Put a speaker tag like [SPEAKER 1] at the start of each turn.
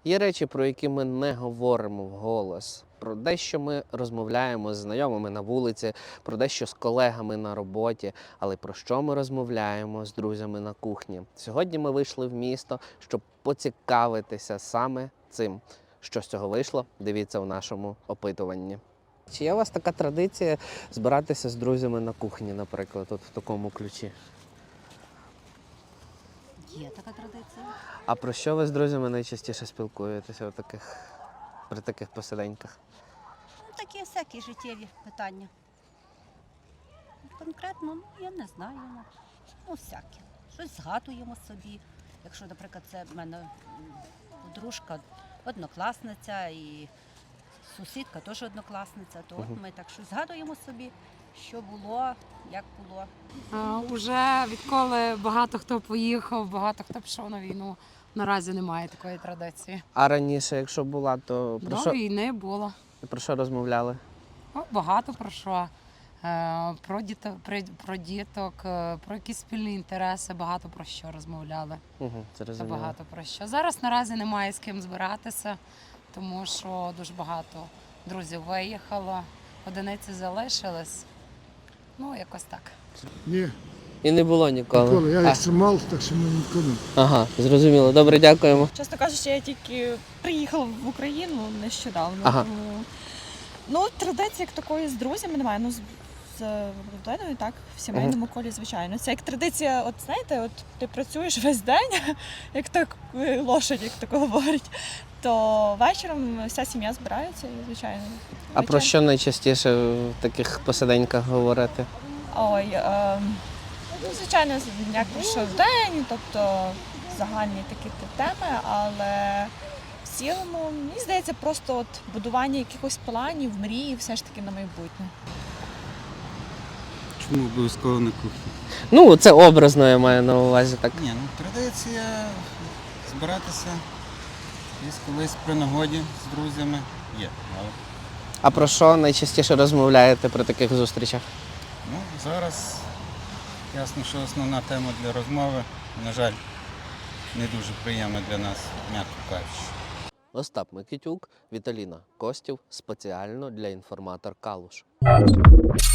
[SPEAKER 1] Є речі, про які ми не говоримо вголос, про дещо ми розмовляємо з знайомими на вулиці, про дещо з колегами на роботі, але про що ми розмовляємо з друзями на кухні. Сьогодні ми вийшли в місто, щоб поцікавитися саме цим. Що з цього вийшло, дивіться у нашому опитуванні. Чи є у вас така традиція збиратися з друзями на кухні, наприклад, от в такому ключі?
[SPEAKER 2] Є така традиція.
[SPEAKER 1] А про що ви з друзями найчастіше спілкуєтеся при таких посиденьках?
[SPEAKER 2] Ну, такі всякі життєві питання. Конкретно, я не знаю. Ну, всякі. Щось згадуємо собі. Якщо, наприклад, це в мене подружка, однокласниця і сусідка теж однокласниця, то от ми так щось згадуємо собі, що було, як було.
[SPEAKER 3] Уже відколи багато хто поїхав, багато хто пішов на війну, наразі немає такої традиції.
[SPEAKER 1] А раніше, якщо була, то
[SPEAKER 3] До війни було.
[SPEAKER 1] про що розмовляли?
[SPEAKER 3] Багато про що. Про діток, про якісь спільні інтереси, багато про що розмовляли.
[SPEAKER 1] Це розуміло.
[SPEAKER 3] Багато про що. Зараз наразі немає з ким збиратися, тому що дуже багато друзів виїхало, одиниці залишились. Ну, якось так.
[SPEAKER 4] Ні,
[SPEAKER 1] І не було ніколи.
[SPEAKER 4] ніколи. Я екстремал, так що ми ніколи.
[SPEAKER 1] Ага, зрозуміло. Добре, дякуємо.
[SPEAKER 5] Чесно кажучи, я тільки приїхала в Україну нещодавно.
[SPEAKER 1] Ага.
[SPEAKER 5] Тому, традиції як такої з друзями немає. Ну, з родиною, так, в сімейному колі, звичайно. Це як традиція, от знаєте, от ти працюєш весь день, як так лошадь, як тако говорять, то вечором вся сім'я збирається і, звичайно.
[SPEAKER 1] А про що найчастіше в таких посиденьках говорити?
[SPEAKER 5] Ой, ну, звичайно, як пройшов день, тобто загальні такі теми, але в цілому, мені здається, просто от будування якихось планів, мрії все ж таки на майбутнє.
[SPEAKER 6] Чому обов'язково на кухні?
[SPEAKER 1] Ну, це образно, я маю на увазі так.
[SPEAKER 6] Ні, ну традиція збиратися десь колись при нагоді з друзями є. Але
[SPEAKER 1] А про що найчастіше розмовляєте при таких зустрічах?
[SPEAKER 6] ну, зараз ясно, що основна тема для розмови, на жаль, не дуже приємна для нас, м'яко кажучи.
[SPEAKER 1] Остап Микитюк, Віталіна Костів, спеціально для «Інформатор Калуш».